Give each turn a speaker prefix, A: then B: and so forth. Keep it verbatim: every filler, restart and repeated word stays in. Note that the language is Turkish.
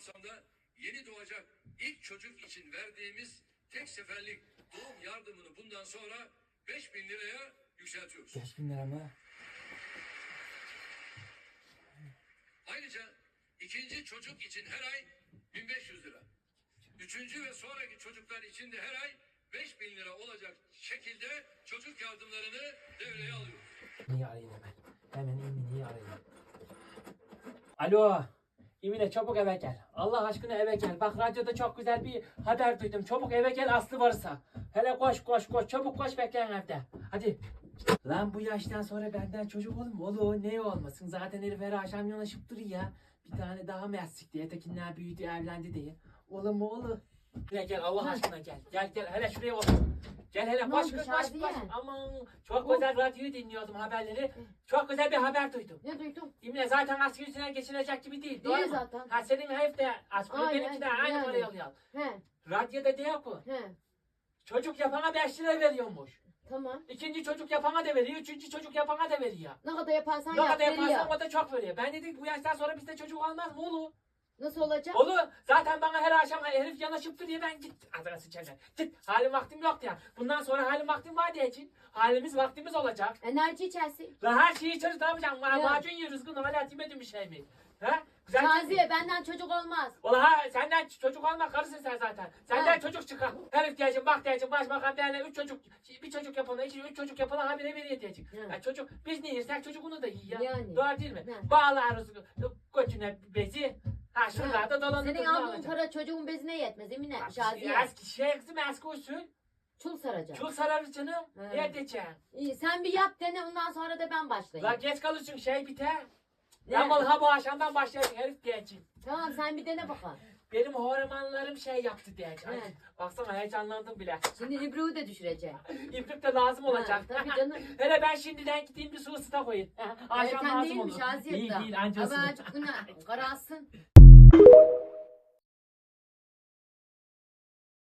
A: kapsamda yeni doğacak ilk çocuk için verdiğimiz tek seferlik doğum yardımını bundan sonra beş bin liraya yükseltiyoruz.
B: beş bin lira mı?
A: Ayrıca ikinci çocuk için her ay bin beş yüz lira. Üçüncü ve sonraki çocuklar için de her ay beş bin lira olacak şekilde çocuk yardımlarını devreye alıyoruz.
B: Niye arayayım hemen? Hemen Emine'yi arayayım. Alo. Emine çabuk eve gel. Allah aşkına eve gel. Bak radyoda çok güzel bir haber duydum. Çabuk eve gel Aslı varsa. Hele koş koş koş. Çabuk koş bekleyin evde. Hadi. Lan bu yaştan sonra benden çocuk olur mu? Olur. Ne olmasın? Zaten herif her akşam yanaşıp duruyor ya. Bir tane daha mersik diye. Tekinler büyüdü evlendi diye. Olur mu olur? Gel gel Allah aşkına gel. Gel gel hele şuraya otur. Gel hele
C: Ne
B: koş
C: oldu
B: koş koş
C: Şadiye?
B: koş. Aman çok güzel radyoyu dinliyordum haberleri. Çok güzel bir haber duydum.
C: Ne duydum?
B: Emine zaten asgari ücretten geçilecek gibi değil. Doğru
C: Değil
B: mu?
C: zaten.
B: Ha senin herif de asgari
C: Aynen,
B: benimki de aynı
C: yani.
B: parayı alıyor.
C: He,
B: Radyoda diyor ki
C: he.
B: çocuk yapana beş lira veriyormuş.
C: Tamam.
B: İkinci çocuk yapana da veriyor. Üçüncü çocuk yapana da veriyor.
C: Ne kadar yaparsan
B: Ne
C: yap,
B: kadar
C: veriyor.
B: yaparsan o da çok veriyor. Ben dedim bu yaştan sonra bizde çocuk olmaz mı oğlum?
C: Nasıl olacak?
B: Olur. Zaten bana her akşam herif yanaşıp duruyor ben git. Adına sıçacak. Git. Halim vaktim yok ya. Bundan sonra halim vaktim var diye için. Halimiz vaktimiz olacak.
C: Enerji içersin.
B: La her şeyi içeriz ne yapacağım? Ma
C: Ya.
B: macun yiyoruz gün hala yemedim bir şey mi? Ha? Güzel
C: Şaziye benden çocuk olmaz.
B: Ola ha senden çocuk olma karısın sen zaten. Senden
C: Ha.
B: çocuk çıkar. Herif diyeceğim bak diyeceğim başbakan derler üç çocuk bir çocuk yapana iki üç çocuk yapana habire veriyor diyecek.
C: Ha.
B: Ya çocuk biz ne yersek çocuk onu da yiyor ya.
C: Yani.
B: Doğru değil mi?
C: Ha.
B: Bağlarız götüne bezi. Ha şuralarda dolanır.
C: Senin aldığın para çocuğun bezine yetmez Emine. Şaziye.
B: Eski şey kızım eski usul.
C: Çul saracak.
B: Çul sararız canım.
C: Ha.
B: Ne diyeceğim?
C: İyi sen bir yap dene ondan sonra da ben başlayayım.
B: La geç kalırsın şey biter.
C: Ne?
B: Ben vallahi bu akşamdan başlayayım herif diyeceğim.
C: Tamam sen bir dene bakalım.
B: Benim hormonlarım şey yaptı diyeceğim.
C: He.
B: Baksana heyecanlandım bile.
C: Şimdi İbru'yu da düşürecek.
B: İplik de lazım olacak.
C: Ha, tabii canım.
B: Hele ben şimdiden gideyim bir su ısıta koyayım. Akşam
C: Erken
B: lazım
C: değilmiş
B: olur.
C: Şaziye
B: Değil
C: da.
B: değil anca
C: Ama
B: ısınır.
C: azıcık günah karalsın.